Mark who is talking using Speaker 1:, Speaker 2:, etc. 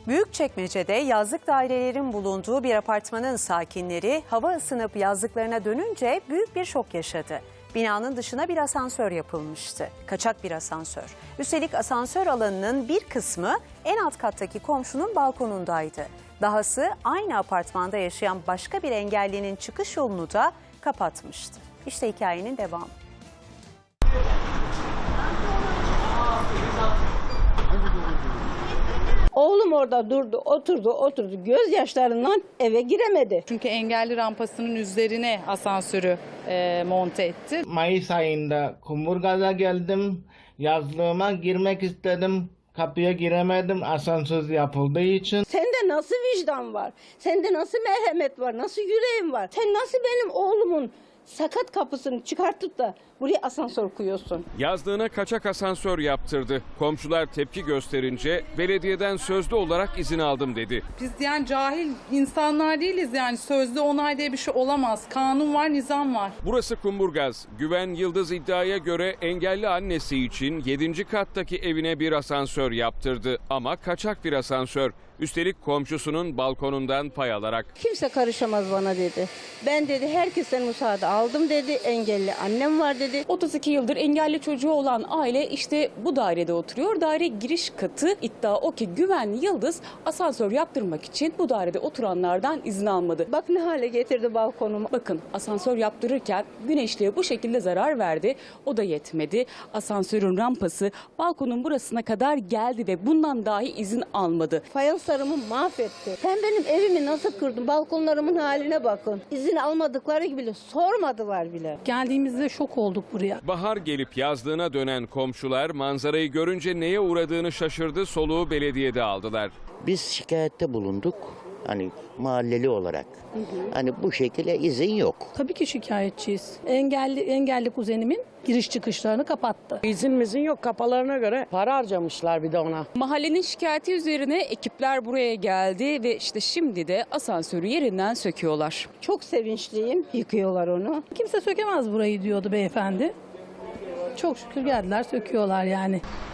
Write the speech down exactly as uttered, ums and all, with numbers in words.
Speaker 1: Büyükçekmece'de yazlık dairelerin bulunduğu bir apartmanın sakinleri hava ısınıp yazlıklarına dönünce büyük bir şok yaşadı. Binanın dışına bir asansör yapılmıştı. Kaçak bir asansör. Üstelik asansör alanının bir kısmı en alt kattaki komşunun balkonundaydı. Dahası aynı apartmanda yaşayan başka bir engellinin çıkış yolunu da kapatmıştı. İşte hikayenin devamı.
Speaker 2: Oğlum orada durdu, oturdu, oturdu. Gözyaşlarından eve giremedi.
Speaker 3: Çünkü engelli rampasının üzerine asansörü e, monte etti.
Speaker 4: Mayıs ayında Kumburgaz'a geldim. Yazlığıma girmek istedim. Kapıya giremedim asansör yapıldığı için.
Speaker 2: Sende nasıl vicdan var? Sende nasıl merhamet var? Nasıl yüreğin var? Sen nasıl benim oğlumun sakat kapısını çıkartıp da buraya asansör koyuyorsun?
Speaker 5: Yazlığına kaçak asansör yaptırdı. Komşular tepki gösterince belediyeden sözlü olarak izin aldım dedi.
Speaker 3: Biz yani cahil insanlar değiliz, yani sözlü onay diye bir şey olamaz. Kanun var, nizam var.
Speaker 5: Burası Kumburgaz. Güven Yıldız iddiaya göre engelli annesi için yedinci kattaki evine bir asansör yaptırdı. Ama kaçak bir asansör. Üstelik komşusunun balkonundan pay alarak.
Speaker 2: Kimse karışamaz bana dedi. Ben dedi herkesten müsaade aldım dedi. Engelli annem var dedi.
Speaker 6: otuz iki yıldır engelli çocuğu olan aile işte bu dairede oturuyor. Daire giriş katı, iddia o ki Güven Yıldız asansör yaptırmak için bu dairede oturanlardan izin almadı.
Speaker 2: Bak ne hale getirdi balkonumu.
Speaker 6: Bakın, asansör yaptırırken güneşliğe bu şekilde zarar verdi. O da yetmedi. Asansörün rampası balkonun burasına kadar geldi ve bundan dahi izin almadı.
Speaker 2: Fayanslarımı mahvetti. Sen benim evimi nasıl kırdın? Balkonlarımın haline bakın. İzin almadıkları gibi bile sormadılar bile.
Speaker 7: Geldiğimizde şok olduk buraya.
Speaker 5: Bahar gelip yazlığına dönen komşular manzarayı görünce neye uğradığını şaşırdı, soluğu belediyede aldılar.
Speaker 8: Biz şikayette bulunduk. Hani mahalleli olarak. Hı hı. Hani bu şekilde izin yok.
Speaker 7: Tabii ki şikayetçiyiz. Engelli engelli kuzenimin giriş çıkışlarını kapattı.
Speaker 9: İzinimizin yok, kafalarına göre para harcamışlar bir de ona.
Speaker 6: Mahallenin şikayeti üzerine ekipler buraya geldi ve işte şimdi de asansörü yerinden söküyorlar.
Speaker 2: Çok sevinçliyim. Yıkıyorlar onu.
Speaker 7: Kimse sökemez burayı diyordu beyefendi. Çok şükür geldiler, söküyorlar yani.